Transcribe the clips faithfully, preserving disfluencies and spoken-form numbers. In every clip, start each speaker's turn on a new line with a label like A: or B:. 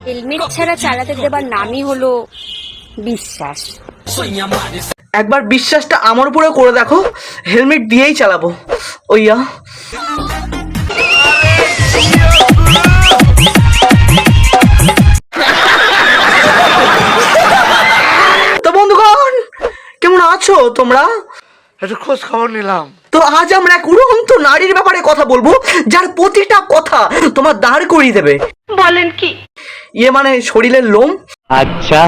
A: Helmet ছাড়া চালাতে দেবার নামই হলো বিশ্বাস।
B: একবার বিশ্বাসটা আমার উপরে করে দেখো, হেলমেট দিয়েই চালাবো। ওইয়া তো বন্ধুগণ, কেমন আছো তোমরা?
C: একটু খোঁজ খবর নিলাম।
B: তো আজ আমরা এক উড়ন্ত নারীর ব্যাপারে কথা বলবো, যার প্রতিটা কথা তোমার দাঁড় করিয়ে দেবে।
A: বলেন কি?
B: ইয়ে মানে শরীরের লোম।
C: আচ্ছা,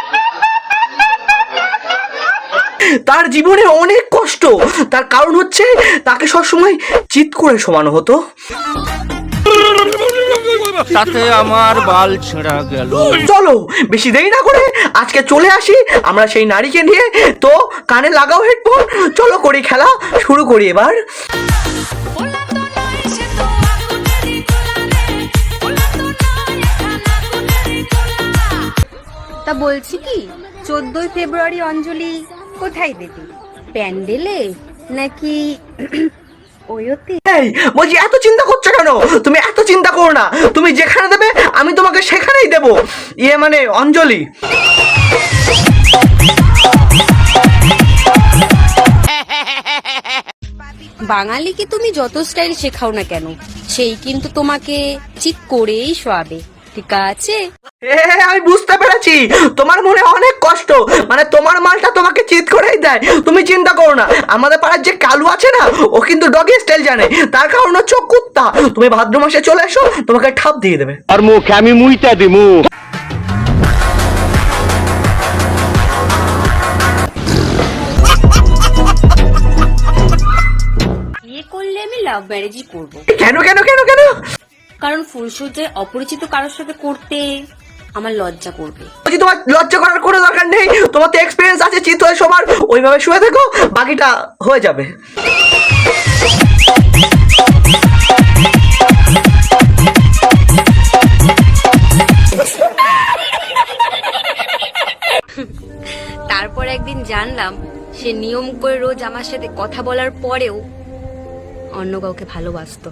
B: তার জীবনে অনেক কষ্ট, তার কারণ হচ্ছে তাকে সবসময় চিৎ করে শোয়ানো হতো।
C: তাতে আমার বাল ছেঁড়া গেল।
B: চলো বেশি দেরি না করে আজকে চলে আসি আমরা সেই নারীকে নিয়ে। তো কানে লাগাও হেডফোন, চলো করি খেলা শুরু করি এবার।
A: তা বলছি কি, চোদ্দই ফেব্রুয়ারি অঞ্জলি কোথায় দেবে? প্যান্ডেলে নাকি ওয়োতে?
B: এই বলছি, এত চিন্তা করছো কেন? তুমি এত চিন্তা করো না, তুমি যেখানে দেবে আমি তোমাকে সেখানেই দেব। ইয়ে মানে অঞ্জলি।
A: বাঙালিকে তুমি যত স্টাইল শেখাও না কেন, সেই কিন্তু তোমাকে চিৎ করেই শোয়াবে, ঠিক আছে?
B: এ আমি বুঝতে পেরেছি, তোমার মনে অনেক কষ্ট, মানে তোমার মালটা তোমাকে চিৎ করেই দেয়। তুমি চিন্তা করো না, আমাদের পাড়ার যে কালু আছে না, ও কিন্তু ডগি স্টাইল জানে, তার কারণ হচ্ছে ও কুত্তা। তুমি ভাদ্র মাসে চলে এসো, তোমাকে ঠাপ দিয়ে দেবে।
C: আর মুখে আমি মুইটা দিমু।
A: বিয়ে করলে আমি লাভ ম্যারেজই করব,
B: কেন কেন কেন কেন?
A: কারণ ফুলসজ্জায় অপরিচিত কারোর সাথে করতে আমার লজ্জা করবে।
B: বলছি, তোমার লজ্জা করার কোনো দরকার নেই, তোমার তো এক্সপিরিয়েন্স আছে চিৎ হয়ে সবার। ওইভাবে শুয়ে থেকো, বাকিটা হয়ে যাবে।
A: তারপর একদিন জানলাম সে নিয়ম করে রোজ আমার সাথে কথা বলার পরেও অন্য কাউকে ভালোবাসতো।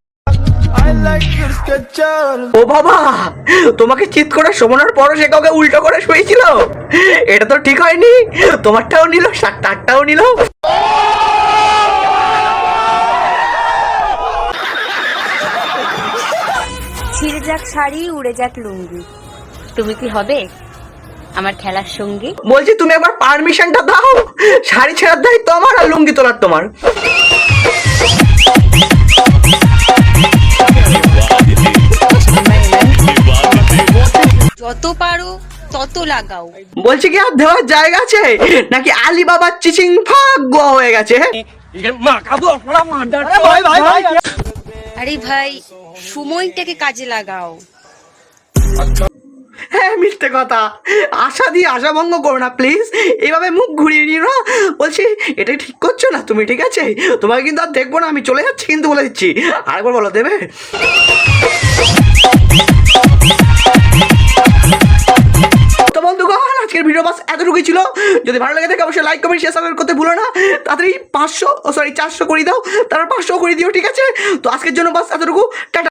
B: ও বাবা, তোমাকে চিৎ করে শোনানোর পরও সে কাউকে উল্টো করে শুয়েছিল? এটা তো ঠিক হয়নি। তোমারটাও নিল, তারটাও নিল।
A: ছিঁড়ে যাক শাড়ি, উড়ে যাক লুঙ্গি, তুমি কি হবে আমার খেলার সঙ্গী?
B: বলছি, তুমি একবার পারমিশনটা দাও, শাড়ি ছেঁড়ার দায়িত্ব আমার আর লুঙ্গি তোলার তোমার।
A: যত পারো তত লাগাও।
B: বলছি কি, আর দেওয়ার জায়গা আছে নাকি আলিবাবার চিচিং ফাঁক গোয়া হয়ে গেছে?
A: আরে ভাই, সময়টাকে কাজে লাগাও।
B: হ্যাঁ, মিথ্যে কথা। আশা দিয়ে আশা ভঙ্গ করো না প্লিজ, এইভাবে মুখ ঘুরিয়ে নিও না। বলছি, এটা ঠিক করছো না তুমি, ঠিক আছে? তোমাকে কিন্তু আর দেখবো না, আমি চলে যাচ্ছি কিন্তু, বলে দিচ্ছি। আরেকবার বলো, দেবে? তো বন্ধুগণ, আজকের ভিডিও বাস এতটুকুই ছিল। যদি ভালো লাগে থাকে অবশ্যই লাইক কমেন্ট শেয়ার সাবস্ক্রাইব করতে ভুলো না। তাড়াতাড়ি পাঁচশো সরি চারশো করে দাও, তারপর পাঁচশো করে দিও, ঠিক আছে? তো আজকের জন্য বাস এতটুকু, টাটা।